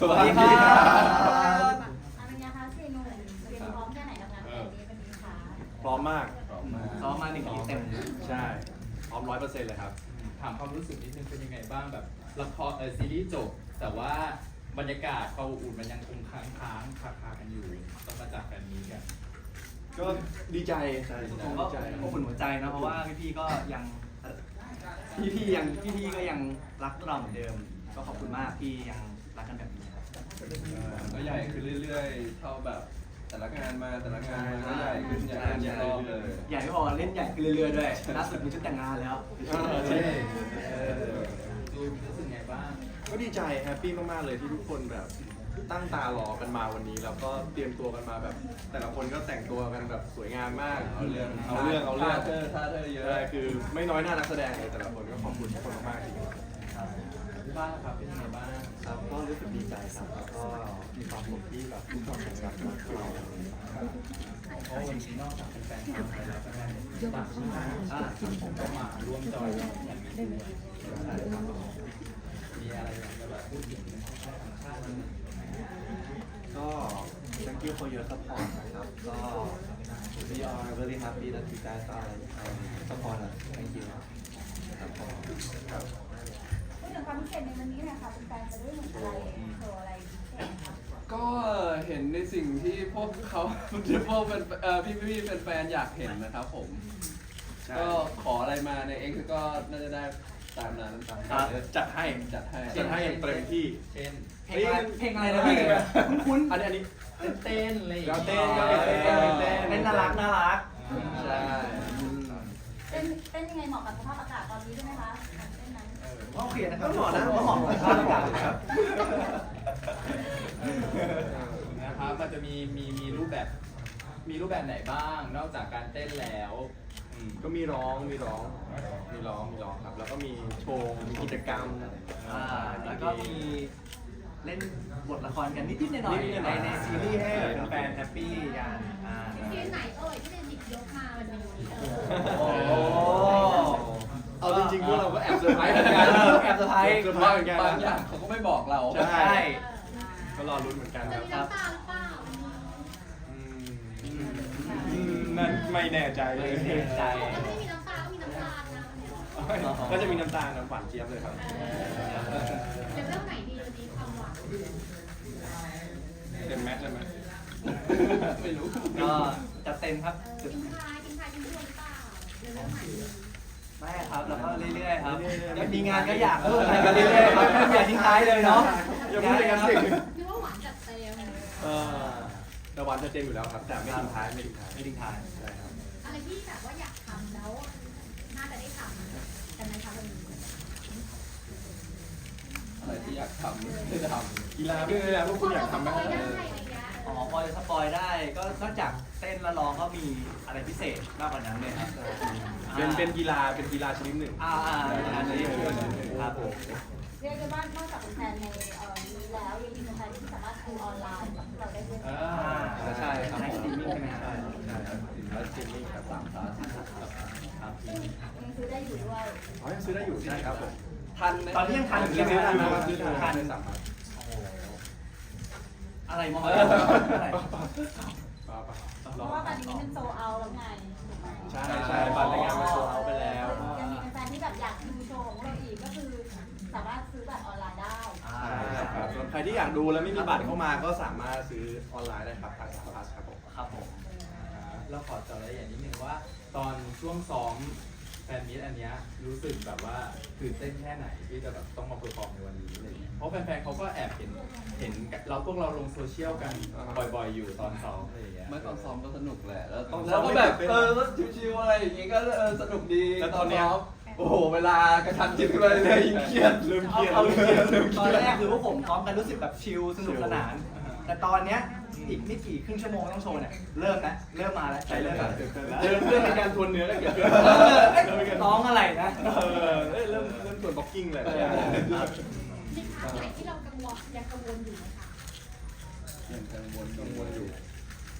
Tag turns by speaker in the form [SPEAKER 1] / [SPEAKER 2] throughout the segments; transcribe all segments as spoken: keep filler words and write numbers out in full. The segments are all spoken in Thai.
[SPEAKER 1] วัสดีครับ
[SPEAKER 2] อะไรนะคะเซนูเตรียมพร้อมแค่ไหนกับงานแบบนี้วันนี้คะ
[SPEAKER 1] พร้อมมาก
[SPEAKER 3] ซ้อมมาหนึ่งทีเต็ม
[SPEAKER 1] ใช่พร้อมร้อยเปอร์เซ็นต์เลยครับ
[SPEAKER 4] ถามความรู้สึกนิดนึงเป็นยังไงบ้างแบบละครเออซีรีส์จบ แต่ว่าบรรยากาศความอบอุ่นมันยังคงค้างค้างคาคากันอยู่ต้องมาจากกันนี้กัน
[SPEAKER 1] ก็ดีใจ
[SPEAKER 3] ผมก็
[SPEAKER 1] ดีใจ
[SPEAKER 3] อบอุ่นหัวใจนะเพราะว่าพี่ๆก็ยังพี่ๆยังพี่ๆก็ยังรักเราเหมือนเดิม ก็ขอบคุณมากที่ยังรักกันแบบนี้ครับ
[SPEAKER 5] ก็ใหญ่ขึ้นเรื่อยๆ เท่าแบบแต่ละงานมาแต่ละงานก็ใหญ่ขึ้นใหญ่ขึ้นใหญ่รอบเลย
[SPEAKER 3] ใหญ่ไม่พอเล่นใหญ่ขึ้นเรื่อยๆด้วยล่าสุดมีชุดแต่งงานแล้ว
[SPEAKER 1] เออใช่
[SPEAKER 4] เออดูรู้สึกไงบ้าง
[SPEAKER 1] ก็ดีใจแฮปปี้มากๆเลยที่ทุกคนแบบตั้งตารอกันมาวันนี้ แล้วก็เตรียมตัวกันมาแบบ แต่ละคนก็แต่งตัวกันแบบสวยงามมาก
[SPEAKER 5] เอาเรื่อง
[SPEAKER 1] เอาเรื่องเอาเรื่อง
[SPEAKER 5] ท่าเธอท่าเธอเยอะ
[SPEAKER 1] ใช่คือไม่น้อยหน้านักแสดงเลยแต่ละคนก็ขอบคุณทุกคนมากๆจริง
[SPEAKER 4] ที่บ้านครับเป็นยังไงบ้าง
[SPEAKER 1] ครับก็รู้สึกดีใจครับแล้วก็มีความสุขที่แบบทุกคนแข่งกันมาเรา
[SPEAKER 4] เพราะวันนี้นอกจากเป็นแฟนคลับไทยแล้วแฟนต่างชาติอ่าผมก็มาร่วมจอยอย่างนี้ด้วยมีอะไรอยากจะแบบพูดถึงต่างชาติไหม
[SPEAKER 1] ก็ thank you for your support นะครับก็ we are very happy that you guys are um, support us thank you ครับผมครับ
[SPEAKER 2] พูดถึงความพิเศษในวันนี้นะคะเป็นแฟนจะได้เห็นอะไรโชว์อะไรพิเศษคะ
[SPEAKER 5] ก็เห็นในสิ่งที่พวกเขา พวกเป็นเอ่อพี่พี่ๆแฟนๆอยากเห็นนะครับผม
[SPEAKER 1] ใช่
[SPEAKER 5] ก็ขออะไรมาใน X ก็น่าจะได้ตามนั้นตาม
[SPEAKER 1] ครับ
[SPEAKER 5] นั้น
[SPEAKER 1] จัดให้
[SPEAKER 5] จัดให้
[SPEAKER 1] จัดให้อย่างเต็มที่
[SPEAKER 4] เช่น
[SPEAKER 3] เพลงอะไรเพลงอะไรนะพี่คุ้น
[SPEAKER 1] อันนี้อันนี้
[SPEAKER 4] เต้นอะไรอย่าง
[SPEAKER 1] เรา
[SPEAKER 4] เงี้ย
[SPEAKER 1] เต้นก็เป็นเต้นเป็นเต้น
[SPEAKER 3] เล่นน่ารักน่ารัก
[SPEAKER 5] ใช่
[SPEAKER 2] เต้นเต้นยังไงเหมาะกับสภาพอากาศตอนนี้ใช่ไหมคะเต้นนั้น
[SPEAKER 3] ก็โอเคนะครับก็เหมาะนะก็เหมาะกับสภาพอากาศครับ
[SPEAKER 4] นะครับมันจะมีมีมีรูปแบบมีรูปแบบไหนบ้าง นอกจากการเต้นแล้วอืม
[SPEAKER 1] ก็มีร้องมีร้องมีร้องมีร้องครับ แล้วก็มีโชว์มีกิจกรรม
[SPEAKER 3] อ่าแล้วก็มีเล่นบทละครกันนิดๆหน่อย
[SPEAKER 1] นิดๆห
[SPEAKER 3] ๆ
[SPEAKER 1] น่
[SPEAKER 3] ใน
[SPEAKER 1] อยๆ
[SPEAKER 3] ในซีรีส์ให้แฟนๆแฮปปี้กันอ่า
[SPEAKER 2] ซีนไหนเอ่ยที่เป็นหยิบยกมาวันนี้
[SPEAKER 3] โอ้
[SPEAKER 1] เอาจริงๆพวกเราก็แอบเซอร์ไพรส์เหมือนกัน
[SPEAKER 3] แอบเซอร์ไพรส์
[SPEAKER 1] เซอร์ไพรส์เหมือนกัน
[SPEAKER 5] บางอย่างเขาก็ไม่บอกเรา
[SPEAKER 1] ใช่
[SPEAKER 3] ใช่
[SPEAKER 1] ก็รอลุ้นเหมือนกัน
[SPEAKER 2] จะ
[SPEAKER 1] ครับ
[SPEAKER 2] มีน้ำตาหรือเปล่า
[SPEAKER 1] อืมอืมนั่นไม่แน่ใจเลย
[SPEAKER 3] ไม่แน่ใจ
[SPEAKER 2] ถ้าไม่มีน้ำตาก็มีน้ำตาลนะ
[SPEAKER 1] ก็จะมีน้ำตาลน้ำหวานเจี๊ยบเลยครับ
[SPEAKER 2] เลเวลไหนดีวันนี้ความหวาน
[SPEAKER 1] เต็มแม็กซ์เลยไหม
[SPEAKER 5] ไม่รู้
[SPEAKER 3] ก็จัดเต็มครับ
[SPEAKER 2] ทิ้งท้ายทิ้งท้ายทิ้งทวนหรือเปล่าเลเวลไหน
[SPEAKER 3] ไม่ครับแล้วก็เรื่อยๆครับยังมีงานก็อยากร่วมงานกันเรื่อยๆครับอย่าทิ้งท้ายเลยเนาะ
[SPEAKER 1] อย่าพูดอย่างนั้นสิ
[SPEAKER 2] นึกว่าหวานจัดเต็ม
[SPEAKER 1] เออแต่หวานจะเจนอยู่แล้วครับ แต่ไม่ทิ้งท้ายไม่ทิ้งท้าย
[SPEAKER 3] ไม่ทิ้งท้าย
[SPEAKER 1] ใช่ครับ
[SPEAKER 2] อะไรที่แบบว่าอยากทำแล้วน่าจะได้ทำกันไหมคะวันนี้
[SPEAKER 5] อะไรที่อยากทำไม่ได้ทำ
[SPEAKER 1] กีฬาด้วยนะพวกคุณอยากทำไหม
[SPEAKER 2] พอได้อะไรอย่างเงี้ย
[SPEAKER 3] อ๋อพอจะสปอยได้ก็นอกจากเต้นและร้องก็มีอะไรพิเศษมากกว่านั้นเลยครับ
[SPEAKER 1] เป็นเป็นกีฬาเป็นกีฬาชนิดหนึ่ง
[SPEAKER 3] อ่าอ่าอันนี้ครับผม
[SPEAKER 2] เรียกได้ว่านอกจากเป็นแฟนในเอ่อนี้แล้วยังมีแฟนที่สามารถดูออนไลน์กับเราได้ด้วย
[SPEAKER 4] อ่า
[SPEAKER 3] อ่า
[SPEAKER 1] ใช่ครับ
[SPEAKER 3] ในสตรีมมิ่งใช่ไหมครับ
[SPEAKER 1] ใช่ใช่ครับแล้วสตรีมมิ่งครับสามพาร์ทครับ
[SPEAKER 2] ซึ่งยังซื้อได้อยู่ด้วย
[SPEAKER 1] อ๋อยังซื้อได้อยู่ใช่ครับผม
[SPEAKER 5] ทันไหม
[SPEAKER 3] ตอนนี้ยังทัน
[SPEAKER 1] ซื้อได้นะ
[SPEAKER 3] ค
[SPEAKER 1] ซื้อได้
[SPEAKER 3] ทัน
[SPEAKER 1] ในสามพาร์ท
[SPEAKER 3] อะไรมองอะไร
[SPEAKER 1] ป่าป่า
[SPEAKER 2] เพราะว่าตอนนี้มันโซเอาแล้วไงถูกไหม
[SPEAKER 1] ใช่ใช่บัตรรายงานมาโซเอาไปแล้ว
[SPEAKER 2] ยังมีแฟนที่แบบอยากดูโชว์ของเราอีกก็คือสามารถซื้อบัตรออนไลน์ได้
[SPEAKER 3] อ่า
[SPEAKER 1] ใช่ครับส่วนใครที่อยากดูแล้วไม่มีบัตรเข้ามาก็สามารถซื้อออนไลน์ได้ครับผ่านสามพาร์ทครับผม
[SPEAKER 3] ครับผม
[SPEAKER 4] เราขอเจาะรายละเอียดนิดนึงว่า ตอนช่วงซ้อมแฟนมิตอันเนี้ยรู้สึกแบบว่าตื่นเต้นแค่ไหนที่จะแบบต้องมาเปอร์ฟอร์มในวันนี้อะไรเงี้ยเพราะแฟนๆเขาก็แอบเห็นเห็นเราพวกเราลงโซเชียลกันบ่อยๆอยู่ตอนซ้อมอะไรอย่างเงี้ย
[SPEAKER 5] เมื่อตอนซ้อมก็สนุกแหละ แล้วต้อง
[SPEAKER 1] ซ้
[SPEAKER 5] แล้
[SPEAKER 1] อ
[SPEAKER 5] ว
[SPEAKER 1] ม
[SPEAKER 5] ก็
[SPEAKER 1] ไม่
[SPEAKER 5] แบบ
[SPEAKER 1] ตื่นเต้น
[SPEAKER 5] เออก็ชิวๆอะไรอย่างงี้ก็เออสนุกดี
[SPEAKER 1] แล้วตอนเนี้ย
[SPEAKER 5] ซ้มโอ้โห เวลากระชันจิตขึ้นมาเรื่อยๆยิ่งเครียด
[SPEAKER 1] เริ่มเค
[SPEAKER 3] เอา
[SPEAKER 1] รียด
[SPEAKER 3] เอาจริง
[SPEAKER 1] เริ่มเค
[SPEAKER 3] ตอ
[SPEAKER 1] รี
[SPEAKER 3] น
[SPEAKER 1] ยด
[SPEAKER 3] แรกคือพวกผมซ้อมกันรู้สึกแบบชิลสนุกสนาน แต่ตอนเนี้ยอีกไม่กี่ครึ่งชั่วโมงต้องโชว์เนี่ยเริ่มแล้วเริ่มมาแล้วใจเริ่มแล้ว
[SPEAKER 1] เริ่มเริ่มมีการทวนเนื้อแล้วเกิดขึ้น
[SPEAKER 3] เออเอ้ยน้องอะไรนะ
[SPEAKER 1] เออเอ้ยเริ่มเริ่มทวนบ็อกกิ้งเลย
[SPEAKER 3] เออครับ
[SPEAKER 2] ในพาร์ทไหนที่เรากังวลยังกังวลอยู่ไหมคะ
[SPEAKER 5] ยังกังวล
[SPEAKER 1] กังวลอยู่
[SPEAKER 3] ผ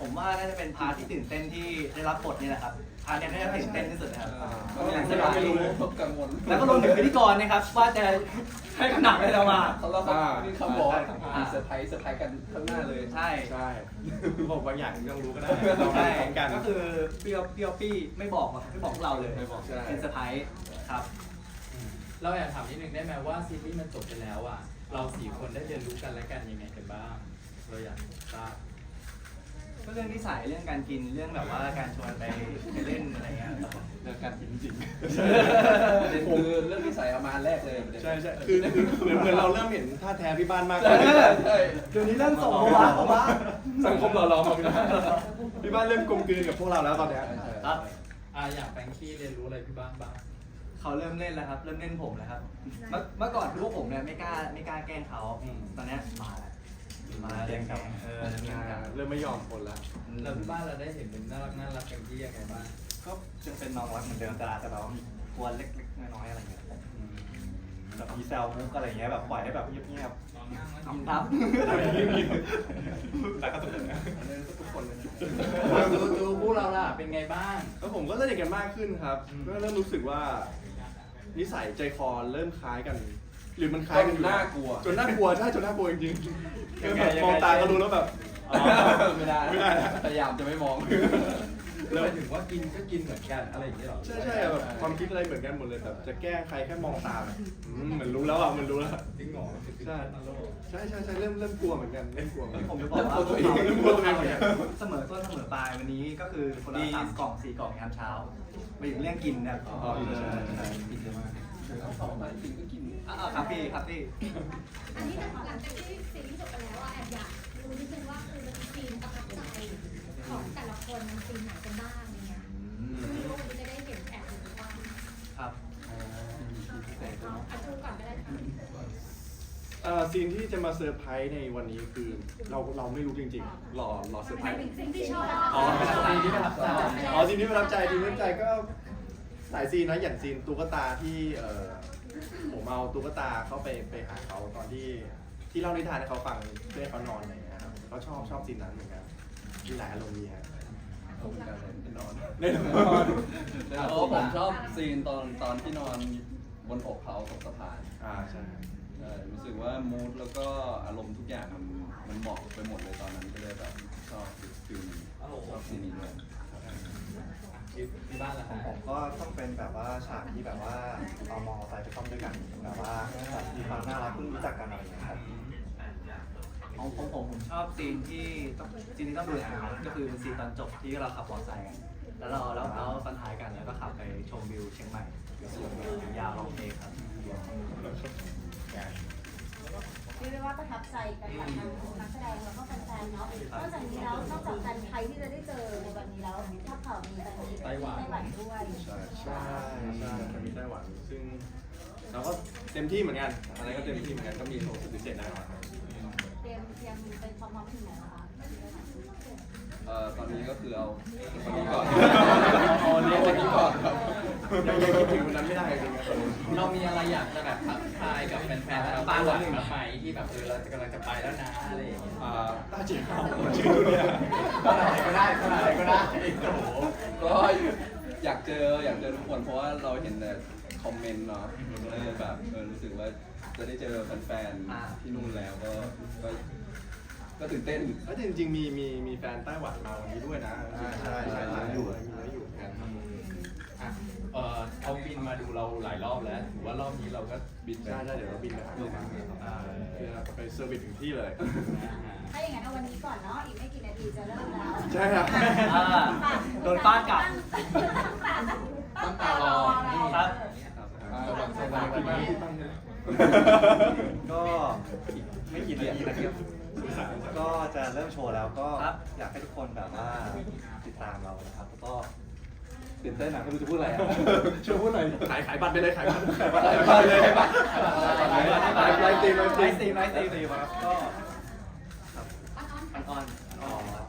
[SPEAKER 3] ผมว่าน่าจะเป็นพาร์ทที่ตื่นเต้นที่ได้รับบทนี่แหละครับพาร์ทเนี้น่าจะตื่นเต้นที่สุดนะครับ
[SPEAKER 5] บางอย่างที่เราไม่รู้กังวล
[SPEAKER 3] แล้วก็รวมถึงพิธีกรนะครับว่าจะให้ขนาดอะไรเรามา
[SPEAKER 5] เขาเราเขามีคำบอก
[SPEAKER 3] อ่า
[SPEAKER 5] เซอร์ไพรส์เซอร์ไพรส์กันข้างหน้าเลย
[SPEAKER 3] ใช่
[SPEAKER 6] ใช่บอกบางอย่างยังรู้ก็ได้เรา
[SPEAKER 3] ใช่
[SPEAKER 6] พร้อมกัน
[SPEAKER 3] ก็คือเปรี้ยวเปรี้ยวปี้ไม่บอกไม่บอกพวกเราเลย
[SPEAKER 6] ไม่บอก
[SPEAKER 5] ใช่
[SPEAKER 3] เป็นเซอร์ไพรส์ครับ
[SPEAKER 4] อืมเราอยากถามนิดนึงได้ไหมว่าซีรีส์มันจบไปแล้วอ่ะเราสี่คนได้เรียนรู้กันและกันยังไงกันบ้างเราอยากทราบ
[SPEAKER 3] ก็เรื่องนิสัยเรื่องการกินเรื่องแบบว่าการชวนไปไปเล่นอะไรเงี้ยครับ
[SPEAKER 5] เรื่องการกินจริงประเด็นคือเรื่องนิสัยเอามาแรกเลยประเด็น
[SPEAKER 6] ใช่ใช่คือคือเหมือนเหมือนเราเริ่มเห็นท่าแท้พี่บ้านมาก
[SPEAKER 5] ใช่
[SPEAKER 6] ขึ้น
[SPEAKER 5] ใช่ใช่
[SPEAKER 3] เดี๋ยวนี้เริ่มส่งเขาวะเขาวะ
[SPEAKER 6] สังคมเราเราพี่บ้านพี่บ้านเริ่มกลมกลืนกับพวกเราแล้วตอนเนี้ย
[SPEAKER 3] ครับ
[SPEAKER 4] อ่าอย่างแฟรงกี้เรียนรู้อะไรพี่บ้างบ้าง
[SPEAKER 3] เขาเริ่มเล่นแล้วครับ เริ่มเล่นผมแล้วครับ เมื่อเมื่อก่อนพวกผมเนี่ยไม่กล้าไม่กล้าแกล้งเขาตอนเนี้ยมาแล้วมาเล่นกับเออเล่นกับ
[SPEAKER 6] เริ่มไม่ยอมคนแล้ว
[SPEAKER 4] แล้วพี่บ้านเราได้เห็นเป็นน่ารักน่ารักแฟรงกี้ยังไงบ้าง
[SPEAKER 3] ก็ยังเป็นน้องรักเหมือนเดิมแต่อาจจะแบบว่ามีกวนเล็กๆน้อยๆอะไรเงี้ยแบบมีแซวมุกอะไรเงี้ยแบบปล่อยให้แบบเงียบๆทำทับแต่ก็สุดเลยนะ
[SPEAKER 5] อันนี้ทุกคนเลยนะ
[SPEAKER 4] ดูดูพวกเราล่ะเป็นไงบ้าง
[SPEAKER 6] แล้วผมก็สนิทกันมากขึ้นครับก็เริ่มรู้สึกว่า นิสัยใจคอเริ่มคล้ายกัน หรือมันคล้ายกันอยู่
[SPEAKER 5] น่ากลัว
[SPEAKER 6] จนน่ากลัวใช่จนน่ากลัวจริงๆคือแบบมองตาก็รู้แล้วแบบอ๋อ
[SPEAKER 5] ไม่ได้
[SPEAKER 6] ไม่ได้นะ
[SPEAKER 5] พยายามจะไม่มอง
[SPEAKER 4] แล้วหมายถึงว่ากินก็กินเหมือนกันอะไรอย่างเงี้ยหรอ
[SPEAKER 6] ใช่ใช่แบบความคิดอะไรเหมือนกันหมดเลยแบบจะแกล้งใครแค่มองตาแบบอืมเหมือนรู้แล้วอ่ะมันรู้แล้ว
[SPEAKER 4] จริงเหรอ
[SPEAKER 6] ใช่ใช่ใช่ใช่เริ่มเริ่มกลัวเหมือนกันเริ่มกลัวเหมือนกัน
[SPEAKER 3] ผมจะบอกว่า
[SPEAKER 6] เริ่มกลัวตัวเองเริ่มกลัวตัวเองเหมือนกัน
[SPEAKER 3] เสมอต้นเสมอปลายวันนี้ก็คือคนละสามกล่องสี่กล่องยามเช้าไปถึงเรื่องกินนะครับ
[SPEAKER 6] อ๋อใช่ใช่
[SPEAKER 3] กินเยอะมาก
[SPEAKER 5] สองมากินก็กิน
[SPEAKER 3] อ่าครับพี่ครับพี่
[SPEAKER 2] อันนี้หลังจากที่ซีรีส์จบไปแล้วอะแอบอยากรู้นิดนึงว่าคือมันมีซีนประทับใจของแต่ละคนมันซีนไหนกันบ้างอะไรเงี้ยไม่รู้ว่าวันนี้จะได้เห็นแอบหรือเปล่า
[SPEAKER 3] ครับ
[SPEAKER 2] เอาเอาดูก่อนก็ได้ค่ะ
[SPEAKER 6] เอ่อซีนที่จะมาเซอร์ไพรส์ในวันนี้คือเราเราไม่รู้จริงๆรอรอเซอร์ไพรส์
[SPEAKER 2] สิ่งที่ชอบ
[SPEAKER 6] อ๋อ
[SPEAKER 4] ซีนที่ประทับใจ
[SPEAKER 6] อ๋อซีนที่ประทับใจซีนที่ประทับใจก็หลายซีนนะอย่างซีนตุ๊กตาที่เอ่อผมเอาตุ๊กตาเข้าไปไปหาเขาตอนที่ที่เล่านิทานให้เขาฟังเพื่อให้เขานอนอะไรอย่างเงี้ยครับเขาชอบชอบซีนนั้นเหมือนกันมีหลายอารมณ์ดีฮะ
[SPEAKER 5] ผมกันเลยนอน
[SPEAKER 6] แน่นอน
[SPEAKER 5] เพราะผมชอบซีนตอนตอนที่นอนบนอกเขาตกสะพาน
[SPEAKER 6] อ่าใช่
[SPEAKER 5] ใช่รู้สึกว่ามูดแล้วก็อารมณ์ทุกอย่างมันมันเหมาะไปหมดเลยตอนนั้นก็เลยแบบชอบฟิลนี้ชอบซีนนี้ด้วย
[SPEAKER 4] ที่บ้านล่ะ
[SPEAKER 1] ของ
[SPEAKER 4] ฮะ
[SPEAKER 1] ผมก็ต้องเป็นแบบว่าฉากที่แบบว่าเอามอไซค์ไปซ่อมด้วยกันแบบว่าแบบมีความน่ารักเพิ่งรู้จักกันอะไรอย่างเงี้ยครับ
[SPEAKER 3] ของผมผมผมชอบซีนที่ต้องซีนที่ต้องดูนะครับก็คือเป็นซีนตอนจบที่เราขับมอเตอร์ไซค์กันแล้วเราแล้วเราตอนท้ายกันแล้วก็ขับไปชมวิวเชียงใหม่ยาวลองเพลงครับ
[SPEAKER 2] เรียกได้ว่าประทับใจกันกับทางนักแสดงแล้วก็แฟนๆเนาะนอกจากนี้แล้วนอกจากแฟนไทยที่จะได้เจอในวันนี้แล้วถ้าข่าวมีแฟนมีไต้หวันด้วย
[SPEAKER 6] ใช่ใช่ใช่มันมีไต้หวัน ซึ่งเราก็เต็มที่เหมือนกันอะไรก็เต็มที่เหมือนกันก็มีโชว์สุดพิเศษแน่นอนครับ
[SPEAKER 2] เตรียมเตรียมเป็นความพร้อมถึงไหนแล้วคะ
[SPEAKER 5] เอ่อตอนนี้ก็คือเอาวันนี้ก่อน
[SPEAKER 6] เอาวันนี้
[SPEAKER 5] วันนี้ก่อนครับ
[SPEAKER 6] ยังยังคิดถึงวันนั้นไม่ได้จริงๆครับ
[SPEAKER 4] เรามีอะไรอยากจะแบบทักทายกับแฟนๆชาวไต้หวันบ้างไหมที่แบบเออเราจะกำลังจะไปแล้วนะอะไรอย่างเงี้ย
[SPEAKER 6] อ่าต้าเจียวชื่อเนี่ย
[SPEAKER 4] เท่าไหร่ก็ได้เท่าไหร่ก็ได้โอ้โห
[SPEAKER 5] ก็อยากเจออยากเจอทุกคนเพราะว่าเราเห็นแต่คอมเมนต์เนาะก็เลยแบบเออรู้สึกว่าจะได้เจอแฟนๆที่นู่นแล้วก็ก็ก็ตื่นเต้น
[SPEAKER 6] แล้วจริงๆมีมีมีแฟนไต้หวันมาวันนี้ด้วยนะใช่ใช่ใช่อยู่มีแล้วอยู่เหมือนกันครับ
[SPEAKER 4] อ่ะเออเขาบินมาดูเราหลายรอบแล้วถือว่ารอบนี้เราก็บินไป
[SPEAKER 6] ใช่ใช่เดี๋ยวเราบินไปหาเขาอ่าเพื่อไปเซอร์วิสถึงที่เลย
[SPEAKER 2] ถ้าอย่างนั้นเอาวันนี้ก่อนเนาะอีกไม่กี่นาทีจะเริ่มแล้ว
[SPEAKER 6] ใช่ครับ
[SPEAKER 3] อ่าโดนฟาดกลับ
[SPEAKER 2] ตั้งตารอ
[SPEAKER 3] ครับ
[SPEAKER 4] สวัสดีครับวันนี้
[SPEAKER 1] ก็อีกไม่กี่นาทีนะครับก็จะเริ่มโชว์แล้วก็
[SPEAKER 3] ครับ
[SPEAKER 1] อยากให้ทุกคนแบบว่าติดตามเรานะครับแล้วก็ตื่นเต้นนะไม่รู้จะพูดอะไรอะ
[SPEAKER 6] ช่วยพูดหน่อยขายขายบัตรไปเลยขายบัตรขายบัตร
[SPEAKER 1] ขายบัตรเลย
[SPEAKER 6] ขายบัตรขายบัตรขายบัตรไลฟ์สตรีมไลฟ์สตรีม
[SPEAKER 3] ไลฟ์สตรีมไลฟ์สตรีม
[SPEAKER 1] ตีมาครับก็
[SPEAKER 3] อันออน
[SPEAKER 1] อ๋อ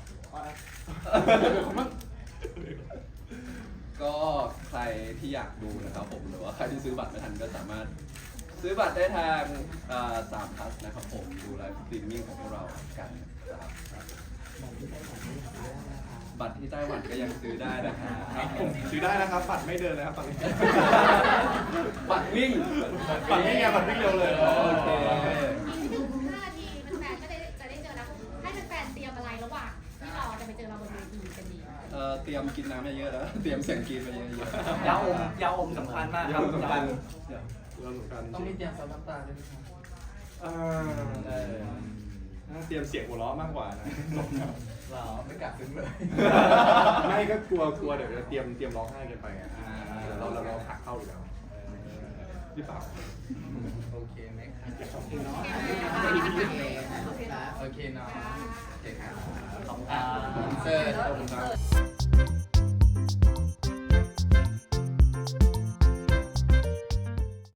[SPEAKER 5] ก็ใครที่อยากดูนะครับผมหรือว่าใครที่ซื้อบัตรไม่ทันก็สามารถซื้อบัตรได้ทางสามพลัสนะครับผมดูไลฟ์สตรีมมิ่งของพวกเรากันนะครับบัตรที่ไต้หวันก็ยังซื้อได้นะครับ
[SPEAKER 6] ผมซื้อได้นะครับบัตรไม่เดินเลยครับตอนนี้
[SPEAKER 5] บัตรวิ่ง
[SPEAKER 6] บัตรวิ่งไงบัตรวิ่งเร็วเลย
[SPEAKER 5] โอเค
[SPEAKER 2] อีกหนึ่งถึงห้านาทีแฟนๆก็ได้จะได้เจอแล้วให้แฟนๆเตรียมอะไรระหว่างที่รอจะไปเจอเราบนเวทีกันดี
[SPEAKER 5] เอ่อเตรียมกินน้ำเยอะๆแล้ว เตรียมเสียงกรีดไปเยอะ
[SPEAKER 3] ยาอมยาอมสำคัญมากครับ
[SPEAKER 6] ยาอมสำคัญ
[SPEAKER 3] เดี๋ยว
[SPEAKER 6] เราเหมือนกัน
[SPEAKER 4] ต้องมีเตรียมซับน้ำตาด้วยไหมครับ
[SPEAKER 6] อ่าเออน่าเตรียมเสียงหัวเราะมากกว่านะ
[SPEAKER 4] เราไม่กลับซึ้งเลย
[SPEAKER 6] ไม่ก็กลัวกลัวเดี๋ยวจะเตรียมเตรียมร้องไห้กันไปอ่ะเราเราเราหักเข้าอยู่แล้วหรือเปล่า
[SPEAKER 4] โอเคไหมครับ
[SPEAKER 2] โอเคเนาะ
[SPEAKER 4] โอเคเนาะโอเคครับ
[SPEAKER 3] ขอบคุณครับ
[SPEAKER 4] เสิร์ฟ
[SPEAKER 6] ขอบคุณครับ